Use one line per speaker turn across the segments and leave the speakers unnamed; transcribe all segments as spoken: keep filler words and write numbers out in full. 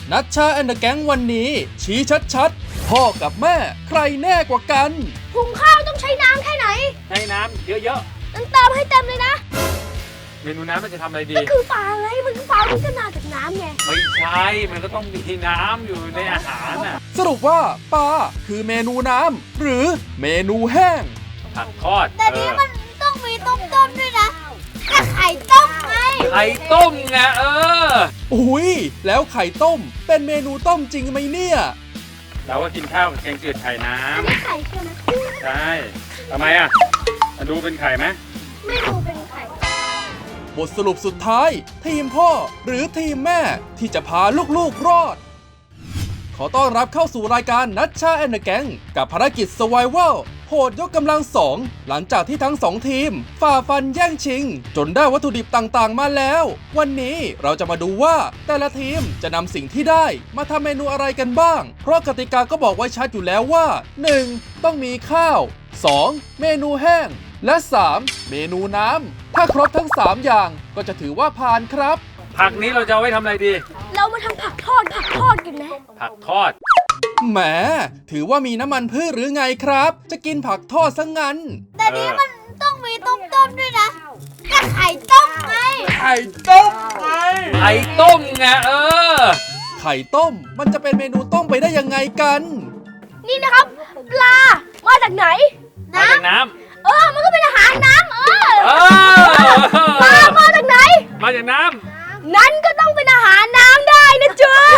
นัชชาแอนด์แก๊งวันนี้ชี้ชัดๆพ่อกับแม่ใครแน่กว่ากัน
หุงข้าวต้องใช้น้ำแค่ไหน
ใช้น้ำเยอะ
ๆต้องเติมให้เต็มเลยนะ
เมนูน้ำมันจะทำอะไรดี
มันคือปลาไงมันคือปลาที่จะมาจากน้ำไง
ไม่ใช่มันก็ต้องมีน้ำอยู่ในอาหารน่ะ
สรุปว่าปลาคือเมนูน้ำหรือเมนูแห้ง
ผักทอด
แต่นี้มันต้องมีต้มต้มด้วยนะแต่ไข่ต้มไง
ไข่ต้มไงเออ
อุ้ยแล้วไข่ต้มเป็นเมนูต้มจริงไหมเนี่ย
เราก็กินข้าวกับแกงจืดไข่น้ำ
อันนี้ไข่ใช่ไหม
ใช่ทำไมอ่ะมาดูเป็นไข่ไหม
ไม่ดูเป็นไข่
บทสรุปสุดท้ายทีมพ่อหรือทีมแม่ที่จะพาลูกๆรอดขอต้อนรับเข้าสู่รายการนัชชาแอนด์แก๊งกับภารกิจ Survival โหดยกกำลังสองหลังจากที่ทั้งสองทีมฝ่าฟันแย่งชิงจนได้วัตถุดิบต่างๆมาแล้ววันนี้เราจะมาดูว่าแต่ละทีมจะนำสิ่งที่ได้มาทำเมนูอะไรกันบ้างเพราะกติกาก็บอกไว้ชัดอยู่แล้วว่า หนึ่ง ต้องมีข้าว สอง เมนูแห้งและ สาม เมนูน้ำถ้าครบทั้งสามอย่างก็จะถือว่าผ่านครับ
ผักนี้เราจะเอาไว้ทำอะไรดี
เรามาทำผักทอดผักทอดกันไหม
ผักทอด
แหมถือว่ามีน้ำมันพืชหรือไงครับจะกินผักทอดซะงั้น
แต่นี้มันต้องมีต้มต้มด้วยนะแต่ไข่ต้มไง
ไข่ต้มไงไข่ต้มไงเออ
ไข่ต้มมันจะเป็นเมนูต้มไปได้ยังไงกัน
นี่นะครับปลามาจากไหน
มาจากน้ำ
เออมันก็เป็นอาหารน้ำเออปลามาจากไหน
มาจากน้ำ
นั้นก็ต้องเป็นอาหารน้ำได้นะจ๊ะ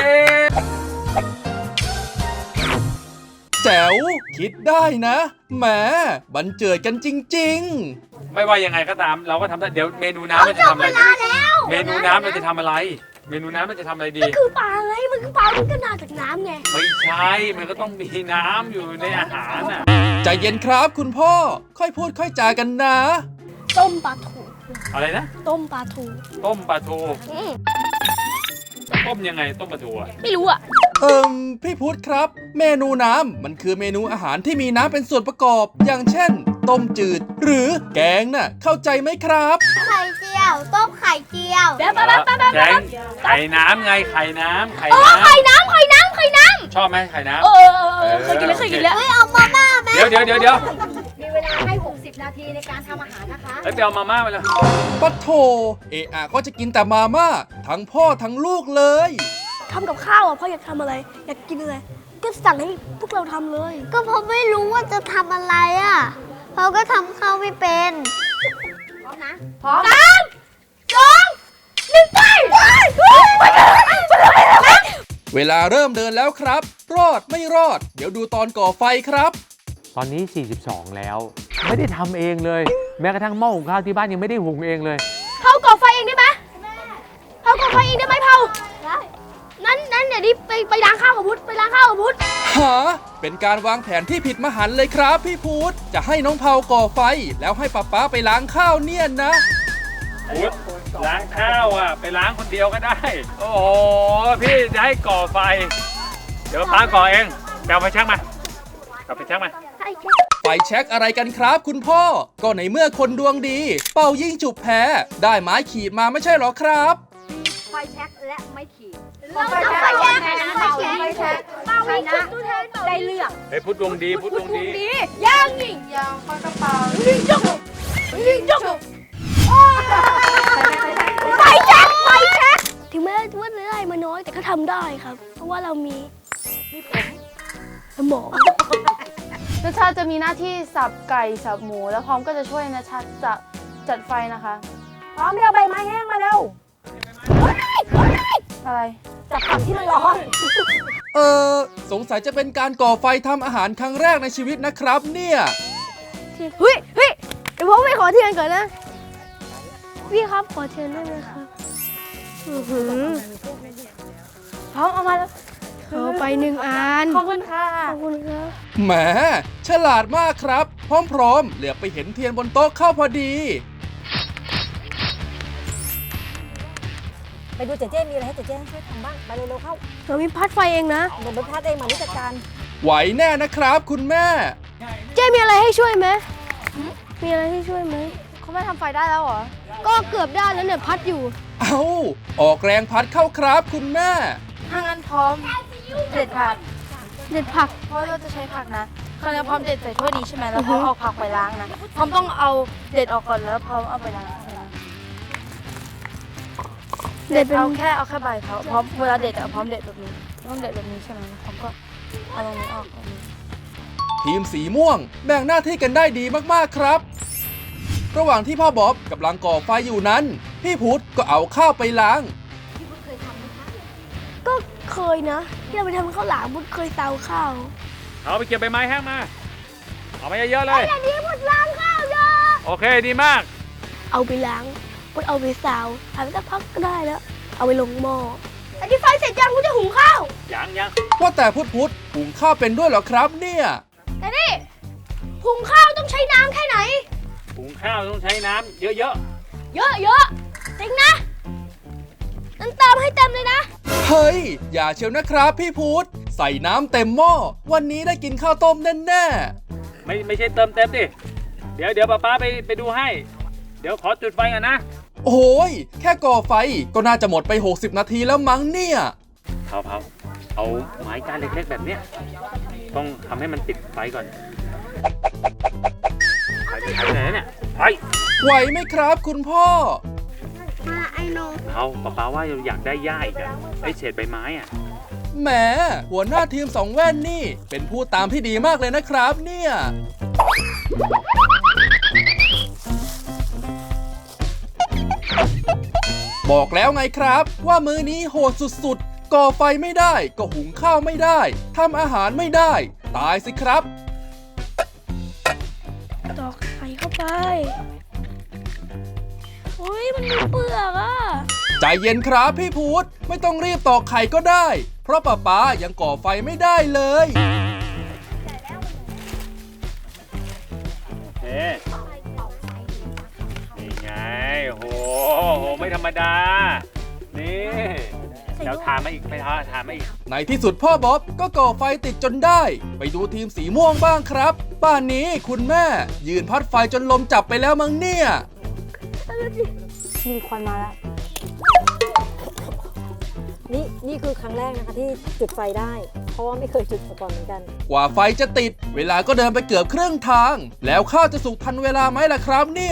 แจ๋วคิดได้นะแหมบันเจิดกันจริง
ๆไม่ว่ายังไงก็ตามเราก็ทำได้เดี๋ยวเมนูน้ำมันจะทำอะไรเมนูน้ำเราจะทำอะไรเมนูน้ำมันจะทำอะไรดี
มันคือปลาไงมันคือปลาที่จะมาจากน้ำไง
ไม่ใช่มันก็ต้องมีน้ำอยู่ในอาหารน่ะ
ใจเย็นครับคุณพ่อค่อยพูดค่อยจากันนะ
ต้มปลาทู
อะไรนะ
ต้มปลาทู
ต้มปลาทูต้มยังไงต้มปลาทูอ่ะ
ไม่รู้อ่ะ
เอิมพี่พุทธครับเมนูน้ำมันคือเมนูอาหารที่มีน้ำเป็นส่วนประกอบอย่างเช่นต้มจืดหรือแกงน่ะเข้าใจไหมครับ
ไข่เจียวต้มไข่เจียว
แบบแบบแบบแกงไข่น้ำไงไข่น้ำไข่
น้ำไข่น้ำไข่น้ำไข่น้ำ
ชอบไหมไข่น้ำ
เออเคยกินแล้วเคยกินแล้วเฮ้ยเอามาม่าไหม
เดี๋ยวเดี๋ยวเดี๋ยวเดี๋ยว
มีเวลาให้หกสิบนาทีในการทำอาหารนะคะ
แล้วไปเอามาม่ามาเลย
ปัดโถเอะอะก็จะกินแต่มาม่าทั้งพ่อทั้งลูกเลย
ทำกับข้าวอ่ะพ่ออยากทำอะไรอยากกินอะไรก็สั่งให้พวกเราทำเลยก็เพราะไม่รู้ว่าจะทำอะไรอ่ะเราก็ทำข้าวไม่เป็นพร้อมนะพร้อมสามสองหนึ่งไป
เวลาเริ่มเดินแล้วครับรอดไม่รอดเดี๋ยวดูตอนก่อไฟครับ
ตอนนี้สี่สิบสองแล้วไม่ได้ทำเองเลยแม้กระทั่งหม้อหุงข้าวที่บ้านยังไม่ได้หุงเองเลย
เผาก่อไฟเองได้ไหมเผาก่อไฟเองได้ไหมเผาได้นั้นนั้นเดี๋ยวนี้ไปไปล้างข้าวกับพุทธไปล้างข้าวกับพุทธ
ฮะเป็นการวางแผนที่ผิดมหันต์เลยครับพี่พุทธจะให้น้องเผาก่อไฟแล้วให้ป๊าป๊าไปล้างข้าวเนี่ยนะ
พุทธล้างข้าวอ่ะไปล้างคนเดียวก็ได้โอ้โหพี่จะให้ก่อไฟเดี๋ยวป๊าก่อเองแปลไฟแช็กมาเอาไฟแช็กมา
ไฟแช็กอะไรกันครับคุณพ่อก็ในเมื่อคนดวงดีเป่ายิ่งจุบแพ้ได้ไม้ขีดมาไม่ใช่หรอครับ
ไฟแช็กและไม้ขีดเราจะไฟแช็กไฟแช็กไฟแช็กเป่ายิงจุบตัวแทนได้เลือก
เฮ้ยพุทธดวงดีพุทธดวงดี
ย่างยิงย่างปากกระเป๋ายิงจุบยิงจุบไฟแช็กไฟแช็กถึงแม้ว่าเนื้ออะไรมาน้อยแต่ก็ทำได้ครับเพราะว่าเรามีมีผมสมอง
นัชชาจะมีหน้าที่สับไก่สับหมูแล้วพร้อมก็จะช่วยนัชชาจะจัดไฟนะคะ
พร้อมเดี๋ยวใบไม้แห้งมาเร็ว
อะไร
จับผักที่มันร้อน
เออสงสัยจะเป็นการก่อไฟทำอาหารครั้งแรกในชีวิตนะครับเนี่ย
เฮ้ยเฮ้ยเดี๋ยวผมไปขอเทียนก่อนนะพี่ครับขอเทียนได้ไหมครับ
พร้อมเอามาแล้ว
เอาไปหนึ่งอัน
ขอบคุณค่ะ
ขอบคุณครับ
แหมฉลาดมากครับพร้อมๆเหลือไปเห็นเทียนบนโต๊ะเข้าพอดี
ไปดูเจ๊เจ๊มีอะไรให้เจ๊เจ๊ช่วยทำบ้างไปเร็วๆเข้า
เรามีพัดไฟเองนะ
เดี๋ยวไปพัดเองมานิจัดการ
ไหวแน่นะครับคุณแม่
เจ๊มีอะไรให้ช่วยไหมมีอะไรให้ช่วยไหม
เขาไม่ทำไฟได้แล้วเหรอ
ก็เกือบได้แล้วเนี่ยพัดอยู่
เอ้าออกแรงพัดเข้าครับคุณแม่
ถ้างั้นพร้อมเด็ดผัก
เด็ดผัก
เพราะเราจะใช้ผักนะคราวนี้พร้อมเด็ดใส่ถ้วยนี้ใช่ไหมแล้วพร้อมเอาผักไปล้างนะพร้อมต้องเอาเด็ดออกก่อนแล้วพร้อมเอาไปล้าง
เด็ดเป็น
เอาแค่เอาแค่ใบเขาพร้อมเวลาเด็ดอะพร้อมเด็ดแบบนี้ต้องเด็ดแบบนี้ใช่ไหมแล้วพร้อมก็เอาตรงนี้ออกตรงนี้
ทีมสีม่วงแบ่งหน้าที่กันได้ดีมากๆครับ ระหว่างที่พ่อบ๊อบกำลังก่อไฟอยู่นั้น พี่พุทธก็เอาข้าวไปล้าง
ก็เคยนะ ที่เราไปทำข้าวหลามบุญเคยเตาข้าว
เอาไปเก็บใบไม้แห้งมา เอามาเยอะๆเลย
แต่นี้บุญล้างข้าวเยอะ
โอเคดีมาก
เอาไปล้างบุญเอาไปซาวทำสักพักก็ได้แล้ว เอาไปลงหม้อแต่ที่ไฟเสร็จยังบุญจะหุงข้าว
ยังยัง
ว่าแต่พุทธพุทธหุงข้าวเป็นด้วยเหรอครับเนี่ย
แต่นี่หุงข้าวต้องใช้น้ำแค่ไหน
หุงข้าวต้องใช้น้ำเยอะ
เยอะเยอะจริงนะนั้นเติมให้เต็มเลยนะ
เฮ้ย อย่าเชียวนะครับพี่พุทธใส่น้ำเต็มหม้อวันนี้ได้กินข้าวต้มแน่ๆ
ๆ ไม่ไม่ใช่เติมเต็มดิ เดี๋ยวเดี๋ยวป้าป้าไปไปดูให้ เดี๋ยวขอจุดไฟก่อนนะ
โอ้ยแค่ก่อไฟก็น่าจะหมดไป หกสิบ นาทีแล้วมั้งเนี่ย
เผาเผาเอาไม้ก้านเล็กๆแบบเนี้ยต้องทำให้มันติดไฟก่อนไฟไปไหนเนี่ยไฟ
ไหวไหมครับคุณพ่อ
มาไอโน
เอาป้าป้าว่าอยากได้หญ้าอีกอะไอเศษใบไม้อะ
แหมหัวหน้าทีมสองแว่นนี่ เป็นผู้ตามที่ดีมากเลยนะครับเนี่ย บอกแล้วไงครับว่ามื้อนี้โหดสุดๆ ก่อไฟไม่ได้ก็หุงข้าวไม่ได้ทำอาหารไม่ได้ ตายสิครับ
ตอกไข่เข้าไปอุ้ยมันมีเปลือกอ่ะ
ใจเย็นครับพี่พุธไม่ต้องรีบตอกไข่ก็ได้ เพราะป้าป๊ายังก่อไฟไม่ได้เลย
เอ๊ะนี่ไงโหโหไม่ธรรมดา นี่เดี๋ยวทานมาอีกไปทานทานมาอีก
ในที่สุดพ่อบ๊อบก็ก่อไฟติดจนได้ ไปดูทีมสีม่วงบ้างครับป่านนี้คุณแม่ยืนพัดไฟจนลมจับไปแล้วมั้งเนี่ย
มีควันมาแล้ว
นี่นี่คือครั้งแรกนะคะที่จุดไฟได้ เพราะว่าไม่เคยจุดมาก่อนเหมือนกัน
กว่าไฟจะติด เวลาก็เดินไปเกือบครึ่งทาง แล้วข้าวจะสุกทันเวลาไหมล่ะครับเนี่ย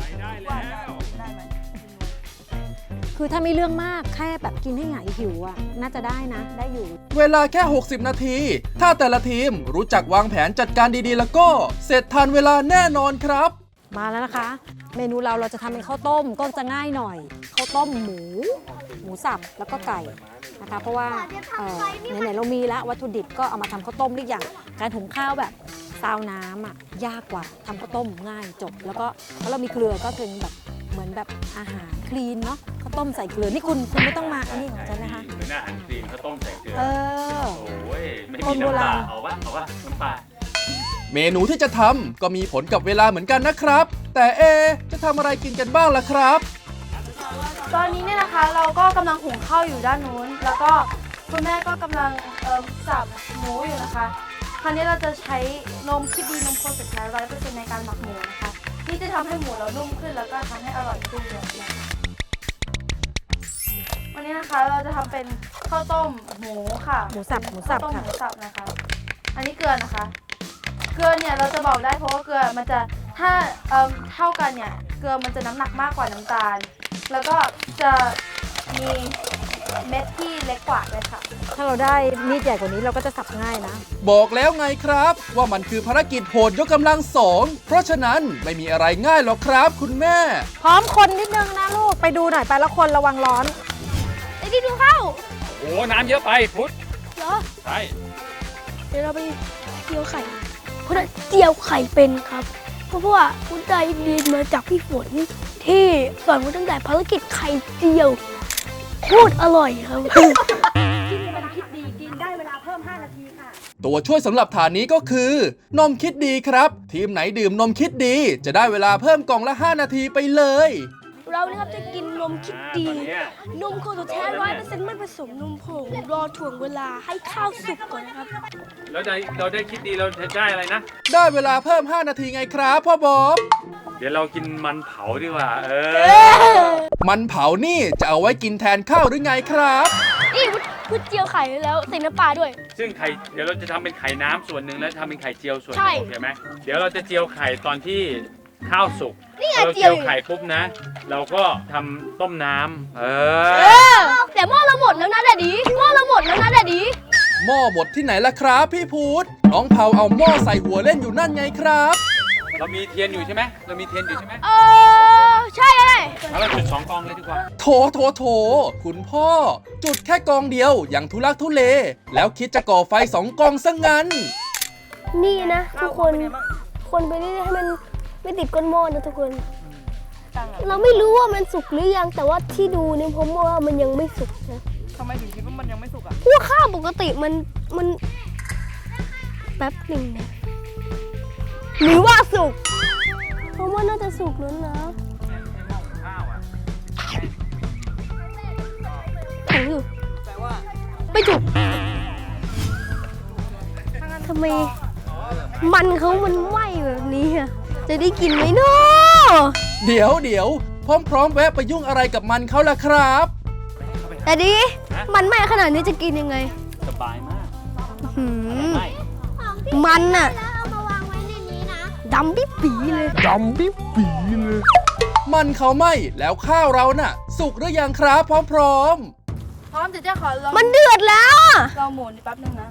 คือถ้าไม่เรื่องมากแค่แบบกินให้หายหิวอ่ะน่าจะได้นะ ได้อยู่
เวลาแค่ หกสิบ นาที ถ้าแต่ละทีมรู้จักวางแผนจัดการดีๆ แล้วก็เสร็จทันเวลาแน่นอนครับ
มาแล้วนะคะ เมนูเราเราจะทำเป็นข้าวต้มก็จะง่ายหน่อยข้าวต้มหมู หมูสับแล้วก็ไก่นะคะ เพราะว่าเอ่อไหนๆเรามีแล้ววัตถุดิบก็เอามาทำข้าวต้มได้อย่างการหุงข้าวแบบซาวน้ำอ่ะยากกว่าทำข้าวต้มง่ายจบ แล้วก็เพราะเรามีเกลือก็เป็นแบบเหมือนแบบอาหารคลีนเนาะข้าวต้มใส่เกลือนี่คุณคุณไม่ต้องมาอันนี้ของฉันนะคะ
เหมือนอาหารคลีนข้าวต้มใส่เกลือ
เออ
โอ้ยไม่
ค
มี
นโบ
น้ำป
รา
ลา
ณ
เอาวะเอาวะน้ำปลา
เมนูที่จะทำก็มีผลกับเวลาเหมือนกันนะครับ แต่เอะจะทำอะไรกินกันบ้างล่ะครับ
ตอนนี้เนี่ยนะคะเราก็กำลังหุงข้าวอยู่ด้านนู้น แล้วก็คุณแม่ก็กำลังเอ่อสับหมูอยู่นะคะ คราวนี้เราจะใช้นมคิดดีนมโคสุดท้ายร้อยเปอร์เซ็นต์ในการหมักหมูนะคะที่จะทำให้หมูเรานุ่มขึ้นแล้วก็ทำให้อร่อยขึ้นเลยนะคะวันนี้นะคะเราจะทำเป็นข้าวต้มหมูค่ะ
หมูสับหมูสับ
ข้าวต้ม
ค่ะ
หมูสับนะคะ อันนี้เกลือนะคะ เกลือเนี่ยเราจะบอกได้เพราะว่าเกลือมันจะถ้าเอ่อเท่ากันเนี่ยเกลือมันจะน้ำหนักมากกว่าน้ำตาล แล้วก็จะมีเม็ดที่เล็กกว่าเลยค่ะ
ถ้าเราได้มีดใหญ่กว่านี้เราก็จะสับง่ายนะ
บอกแล้วไงครับ ว่ามันคือภารกิจโหดยกกำลังสองเพราะฉะนั้นไม่มีอะไรง่ายหรอกครับคุณแม่
พร้อมคนนิดนึงนะลูกไปดูหน่อยไปแล้วคนระวังร้อน
ไอ้ที่ดูข้าว
โอ้น้ำเยอะไปพุทธ
เหรอ
ใช่
เดี๋ยวเราไปเจียวไข่คุณได้เจียวไข่เป็นครับ เพราะว่าคุณได้เรียนมาจากพี่ฝนที่สอนคุณตั้งแต่ภารกิจไข่เจียวโคตรอร่อยครับ
ตัวช่วยสำหรับฐานนี้ก็คือ นมคิดดีครับ ทีมไหนดื่มนมคิดดี จะได้เวลาเพิ่มกล่องละ ห้า นาทีไปเลย
เรานะครับจะกินนมคิดดี
ตอนเนี้ย
นมโคโตแท้ร้อยเปอร์เซ็นต์ไม่ผสมนมผงรอถ่วงเวลาให้ข้าวสุกก่อนนะครับ
เราได้เราได้คิดดีเราจะได้อะไรนะ
ได้เวลาเพิ่ม ห้า นาทีไงครับพ่อบ๊อบ
เดี๋ยวเรากินมันเผาดีกว่า เออ
มันเผานี่จะเอาไว้กินแทนข้าวหรือไงครับ
นี่พืชเจียวไข่แล้วใส่น้ำปลาด้วย
ซึ่งไข่เดี๋ยวเราจะทำเป็นไข่น้ำส่วนหนึ่งแล้วทำเป็นไข่เจียวส่วนห
ใช่
นึ่งโอเคไหมเดี๋ยวเราจะเจียวไข่ตอนที่ข้าวสุก
นี่ไง
เรา
เจี
เจี
ยว
ยว
อยู่
ไข่ปุ๊บนะ เราก็ทำต้มน้ำเอ
เอ
อ
อแต่หม้อเราหมดแล้วนะแดดดีหม้อเราหมดแล้วนะแดดดี
หม้อหมดที่ไหนล่ะครับพี่พูดน้องเผาเอาหม้อใส่หัวเล่นอยู่นั่นไงครับ
เรามีเทียนอยู่ใช่ไหมเรามีเทียนอยู่ใช่ไหม
เออใช่เลย
แล้วเราจุดสองกองเลยดีกว่า
โถโถโถคุณพ่อ จุดแค่กองเดียวอย่างทุลักทุเล แล้วคิดจะก่อไฟสองกองซะงั้น
นี่นะทุกคนคนไปเรื่อยๆให้มันไม่ติดก้นหม้อนะทุกคน เราไม่รู้ว่ามันสุกหรือยังแต่ว่าที่ดูเนี่ยผมว่ามันยังไม่สุกนะ
ทำไมถึงคิดว่ามันยังไม่สุกอ่ะ
พวกข้าวปกติมันมันแป๊บหนึ่งนะหรือว่าสุกผมว่าน่าจะสุกแล้วนะแข็งอยู่ไม่จุกทำไมมันเขามันไหม้แบบนี้อะจะได้กินไหมเนาะ
เดี๋ยวเดี๋ยวพร้อมๆแวะไปยุ่งอะไรกับมันเขาล่ะครับ
แต่ดีมันไหม้ขนาดนี้จะกินยังไง
สบายมาก
หืม
ไม่
มันน่ะดำปิ๊บปีเลย
มันเขาไหม่แล้วข้าวเราน่ะ สุกหรือยังครับพร้อม
พร้อมเดี๋ยวเจ๊ขอลอง
มันเดือดแล้วอะ
ลองหมุนแป๊บนึงนะ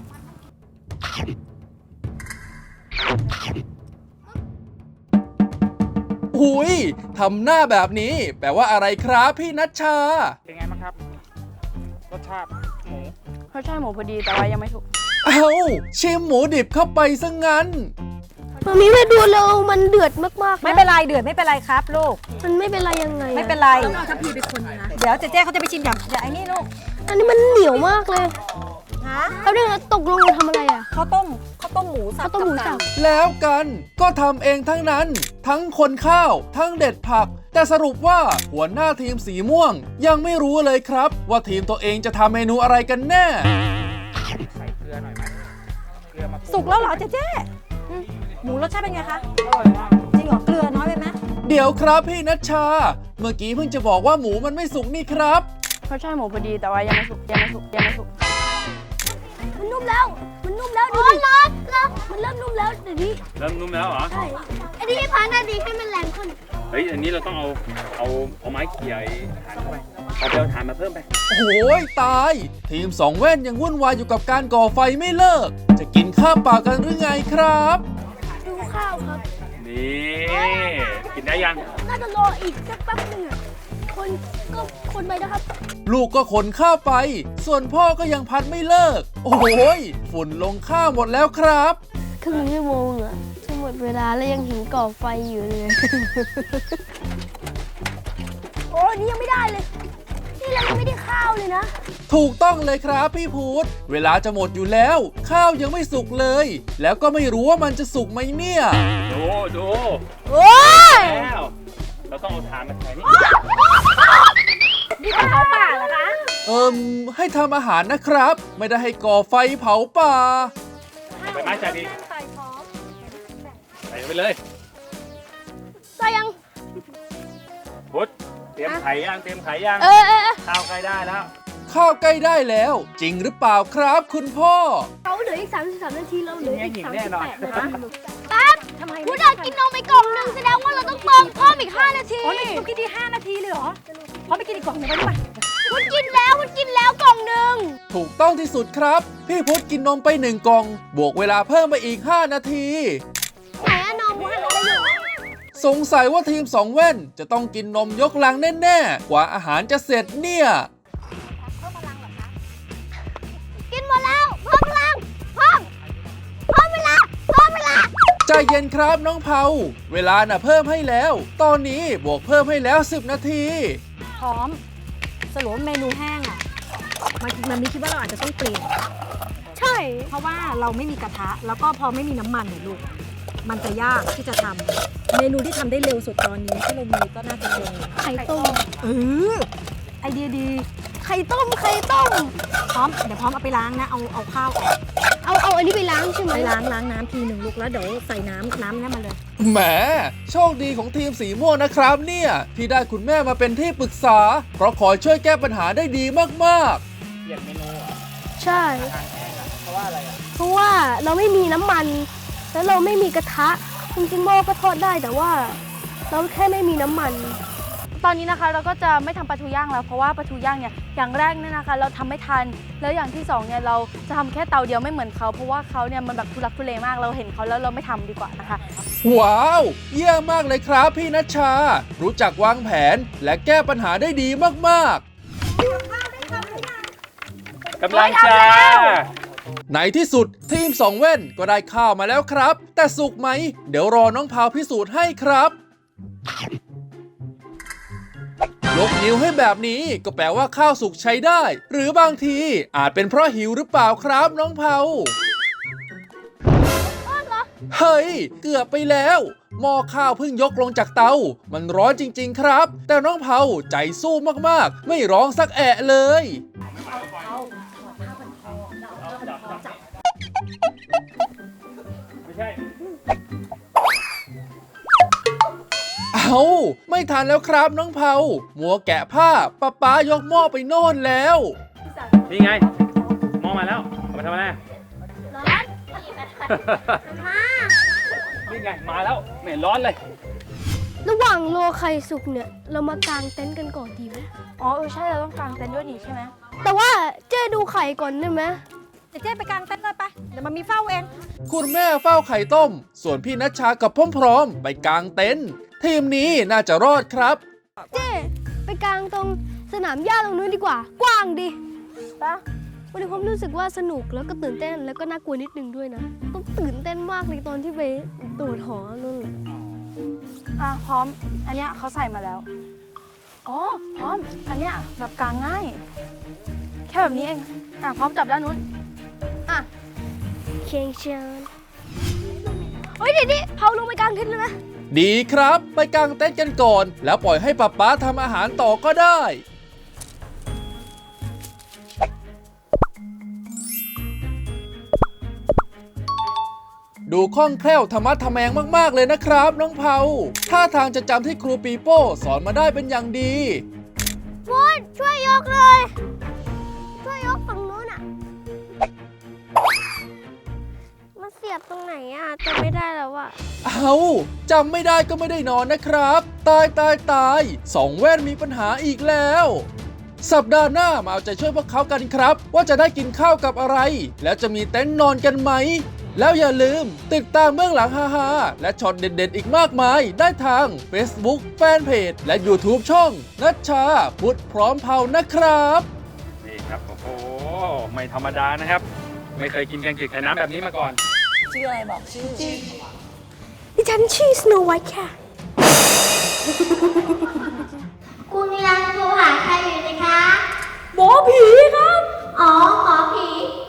ๆหุยทำหน้าแบบนี้ แปลว่าอะไรครับพี่นัชชา
เป็นไงบ้างครับ รสชาติหมู
รสชาติหมูพอดีแต่ว่ายังไม่สุก
เอ้าชิมหมูดิบเข้าไปซะงั้น
มันมีมาดูแล้วมันเดือดมากๆะ
ไม่เป็นไรเดือดไม่เป็นไรครับลูก
มันไม่เป็นไรยังไงอะ
ไม่เป็นไรต้องเอาทัพพีไปคนนะเดี๋ยวเจ๊เจ๊เขาจะไปชิมอย่างอย่างไอ้นี่ลูก
อันนี้มันเหนียวมากเลย
ฮะ
เขาเรียกว่าตกลงเราทำอะไรอ่ะ
ข้าวต้มข้าวต้มหมูสับ
ข้าวต้มหมูสับ
กับไก่
แล้วกันก็ทำเองทั้งนั้น ทั้งคนข้าวทั้งเด็ดผัก แต่สรุปว่าหัวหน้าทีมสีม่วง ยังไม่รู้เลยครับ ว่าทีมตัวเองจะทำเมนูอะไรกันแน่
ใส่เกลือหน่อยไหมเกลือมา
สุกแล้วเหรอเจ๊เจ๊อืมหมูรสชาติเป็นไงคะจริงเหรอเกลือน้อยไปไหม
เดี๋ยวครับพี่นัชชา เมื่อกี้เพิ่งจะบอกว่าหมูมันไม่สุกนี่ครับ
รสชาติหมูพอดีแต่ว่ายังไม่สุกยังไม่สุกยังไม่สุก
มันนุ่มแล้ว มันนุ่มแล้วดูดิร้อนร้อนมันเริ่มนุ่มแล้วเดี๋ยวนี้
เริ่มนุ่มแล้วเหรอ
ใช่อันนี้พานาดีให้มันแรงขึ้น
เฮ้ย อันนี้เราต้องเอา เอา เอาไม้เขี่ยไอ้ถ่านเข้าไป เอาไปเอาถ่านมาเพิ่มไป
โอ้ยตาย ทีมสองแว่นยังวุ่นวายอยู่กับการก่อไฟไม่เลิก จะกินข้าวเปล่ากันหรือไงครับ
ดูข้าวครับ
นี่ กินได้ยัง
น่าจะรออีกสักแป๊บหนึงอะคนก็คนไปนะครับ
ลูกก็ขนข้าวไป ส่วนพ่อก็ยังพัดไม่เลิก โอ้ยฝุ่นลงข้าวหมดแล้วครับ
ครึ่งชั่วโมงอะจะหมดเวลาแล้วยังเห็นก่อไฟอยู่เลย โอ้ยนี่ยังไม่ได้เลย นี่เรายังไม่ได้ข้าวเลยนะ
ถูกต้องเลยครับพี่พูดเวลาจะหมดอยู่แล้ว ข้าวยังไม่สุกเลย แล้วก็ไม่รู้ว่ามันจะสุกไหมเนี่ย
ดูดู
โอ้ย
แล้ว เราต้องเอาถ่านมาใส่นี่
นี่เป็นเขาป่าเหรอคะ
เอิมให้ทำอาหารนะครับ ไม่ได้ให้ก่อไฟเผาป่า
ไปไม้จ่าดี
ใส่พร้อม
ใส่ไปเลย
ใส่ยัง
พุทธเตรียมไข่ย่าง เตรียมไข่ย่าง
เออเออเออ
ข้าวใกล้ได้แล้ว
ข้าวใกล้ได้แล้ว จริงหรือเปล่าครับคุณพ่อ
เขาเหลืออีกสามสิบสามนาทีเราเหลืออีก
หญิง
สาม
แน่
สิบ
นอน
แปดนาทีแป๊บพุดากินนมไปกล่องหนึงแสดงว่าเราต้องเติมเพิ่มอีกห้านาที
อ๋อนี่สุกี้ดีห้านาทีเลยเหรอพร้อมไปกินอีกกล่องหนึ่งไปดีกว่า
พุดกินแล้วพุดกินแล้วกล่องหนึ่ง
ถูกต้องที่สุดครับ พี่พุทธกินนมไปหนึ่งกล่อง บวกเวลาเพิ่มไปอีกห้านาที
ไหนอะนมพุดอะไรอยู่
สงสัยว่าทีมสองแว่นจะต้องกินนมยกลังแน่ๆ กว่าอาหารจะเสร็จเนี่ย
กินหมดแล้วเพิ่มพลังเพิ่มเพิ่มเวลาเพิ่มเวลา
ใจเย็นครับน้องเผาเวลาน่ะเพิ่มให้แล้ว ตอนนี้บวกเพิ่มให้แล้วสิบนาที
พร้อมสรุปว่าเมนูแห้งอ่ะมันมันมีคิดว่าเราอาจจะต้องเปลี่ยน
ใช่
เพราะว่าเราไม่มีกระทะ แล้วก็พอไม่มีน้ำมันเนี่ยลูก มันจะยากที่จะทำเมนูที่ทำได้เร็วสุดตอนนี้ที่เรามีก็น่าจะเป็น
ไข่ต้ม
เออไอเดียดี
ไข่ต้มไข่ต้ม
พร้อมเดี๋ยวพร้อมเอาไปล้างนะเอาเอาข้าวออก
เอาเอาอันนี้ไปล้างใช่ไหม
ไปล้างล้างน้ำทีหนึ่งลูกแล้วเดี๋ยวใส่น้ำน้ำนั่นมาเลย
แหมโชคดีของทีมสีม่วงนะครับเนี่ย ที่ได้คุณแม่มาเป็นที่ปรึกษา เพราะขอช่วยแก้ปัญหาได้ดีมาก
เปลี่ยนเมนูเหรอ
ใช่ เพราะว่าเราไม่มีน้ำมัน แล้วเราไม่มีกระทะ จริงๆหม้อก็ทอดได้แต่ว่าเราแค่ไม่มีน้ำมัน
ตอนนี้นะคะเราก็จะไม่ทำปลาทูย่างแล้วเพราะว่าปลาทูย่างเนี่ยอย่างแรกเนี่ยนะคะ เราทำไม่ทันแล้วอย่างที่สองเนี่ยเราจะทำแค่เตาเดียวไม่เหมือนเขาเพราะว่าเขาเนี่ยมันแบบทุลักทุเลมากเราเห็นเขาแล้วเราไม่ทำดีกว่านะคะ
ว้าว เยี่ยมมากเลยครับพี่นัชชา รู้จักวางแผนและแก้ปัญหาได้ดีมากๆ
กำลังจะ
ในที่สุดทีมสองเว่นก็ได้ข้าวมาแล้วครับ แต่สุกไหม เดี๋ยวรอน้องพาวพิสูจน์ให้ครับ ยกนิ้วให้แบบนี้ก็แปลว่าข้าวสุกใช้ได้ หรือบางทีอาจเป็นเพราะหิวหรือเปล่าครับน้องเผาเฮ้ย เกือบไปแล้วหม้อข้าวเพิ่งยกลงจากเตา มันร้อนจริงๆครับ แต่น้องเผาใจสู้มากๆ ไม่ร้องสักแอะเลย
ไม่ใช่
เอาไม่ทันแล้วครับน้องเผามัวแกะผ้าป้าป๊ายกหม้อไปโน่นแล้ว
นี่ไงมองมาแล้วเอามาทำอะไร
ร้อนมา
นี่ไงมาแล้วไม่เห็นร้อนเลย
ระหว่างรอไข่สุกเนี่ยเรามากางเต็นท์กันก่อนดีไหม
อ๋อเออใช่เราต้องกางเต็นท์ด้วยนี่ใช่ไหม
แต่ว่าเจ๊ดูไข่ก่อนได้ไหม
เดี๋ยวเจ๊ไปกางเต็นท์เลยไป เดี๋ยวมันมีเฝ้าเอง
คุณแม่เฝ้าไข่ต้ม ส่วนพี่นัชชากับพ่อพร้อมไปกางเต็นท์ทีมนี้น่าจะรอดครับ
เจ๊ไปกางตรงสนามหญ้าตรงนู้นดีกว่า กว้างดิ
ปะ
วันนี้ผมรู้สึกว่าสนุกแล้วก็ตื่นเต้นแล้วก็น่ากลัวนิดนึงด้วยนะต้องตื่นเต้นมากเลยตอนที่ไปตรวจหอนู่นแหละ
อ่ะพร้อมอันเนี้ยเขาใส่มาแล้วอ๋อพร้อมอันเนี้ยแบบกางง่าย แค่แบบนี้เองอ่ะพร้อมจับด้านนู้นอ่ะ
เชียงเชียงเฮ้ยเดี๋ยวนี้เผาลงไปกางเต็นท์เลยนะ
ดีครับไปกางเต็นท์กันก่อน แล้วปล่อยให้ป๊าป๊าทำอาหารต่อก็ได้ ดูคล่องแคล่วธรรมะทะแมงมากๆเลยนะครับน้องเผาท่าทางจะจำที่ครูปีโป้สอนมาได้เป็นอย่างดี
ฟูนช่วยยกเลย ช่วยยกฝั่งนู้นอ่ะมันเสียบตรงไหนอ่ะจำไม่ได้แล้วอ่ะ
เอาจำไม่ได้ก็ไม่ได้นอนนะครับ ตายตายตายสองแว่นมีปัญหาอีกแล้ว สัปดาห์หน้ามาเอาใจช่วยพวกเขากันครับ ว่าจะได้กินข้าวกับอะไร แล้วจะมีเต็นท์นอนกันไหม แล้วอย่าลืมติดตามเบื้องหลังฮาๆและช็อตเด็ดๆอีกมากมายได้ทาง Facebook Fanpage และ YouTube ช่องนัชชาพุทธพร้อมเผานะครับ
นี่ครับโอ้โหไม่ธรรมดานะครับ ไม่เคยกินแกงจืดไข่น้ำแบบนี้มาก่อน
ชื่ออะไรบอกชื่อ
ดิฉันชื่อสโนว์ไวท์ค่ะ
คุณยังโทรหาใครอยู่นะคะ
หมอผีครับ
อ๋อ หมอผี